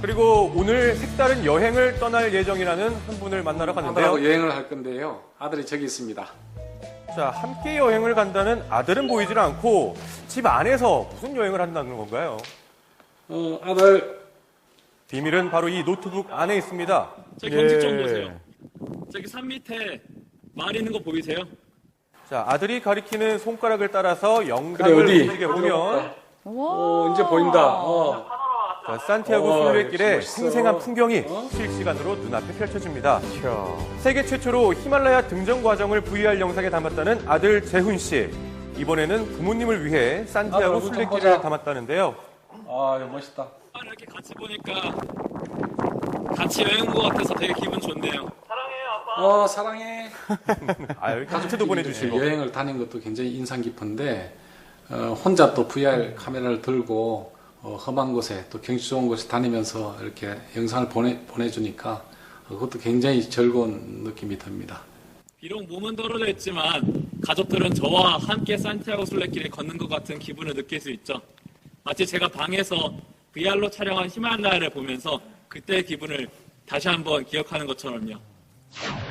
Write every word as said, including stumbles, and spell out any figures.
그리고 오늘 색다른 여행을 떠날 예정이라는 한 분을 만나러 갔는데요. 아들하고 여행을 할 건데요. 아들이 저기 있습니다. 자, 함께 여행을 간다는 아들은 보이질 않고 집 안에서 무슨 여행을 한다는 건가요? 어, 아들. 비밀은 바로 이 노트북 안에 있습니다. 저기 경치 좀 보세요. 저기 산 밑에 말 있는 거 보이세요? 자, 아들이 가리키는 손가락을 따라서 그래, 영상을 어디? 움직여 보면 어, 이제 보인다. 어. 자, 산티아고 어, 순례길의 역시 멋있어. 생생한 풍경이 어? 실시간으로 눈앞에 펼쳐집니다. 세계 최초로 히말라야 등정 과정을 브이아르 영상에 담았다는 아들 재훈 씨. 이번에는 부모님을 위해 산티아고 아들 얼굴 좀 순례길을 보자. 담았다는데요. 아, 이거 멋있다. 이렇게 같이 보니까 같이 여행 온 것 같아서 되게 기분 좋네요. 어, 사랑해. 아, 여기 카트도 보내주시고. 여행을 다닌 것도 굉장히 인상 깊은데 어, 혼자 또 브이아르 카메라를 들고 어, 험한 곳에 또 경치 좋은 곳에 다니면서 이렇게 영상을 보내, 보내주니까 어, 그것도 굉장히 즐거운 느낌이 듭니다. 비록 몸은 떨어져 있지만 가족들은 저와 함께 산티아고 순례길을 걷는 것 같은 기분을 느낄 수 있죠. 마치 제가 방에서 브이아르로 촬영한 히말라야를 보면서 그때의 기분을 다시 한번 기억하는 것처럼요.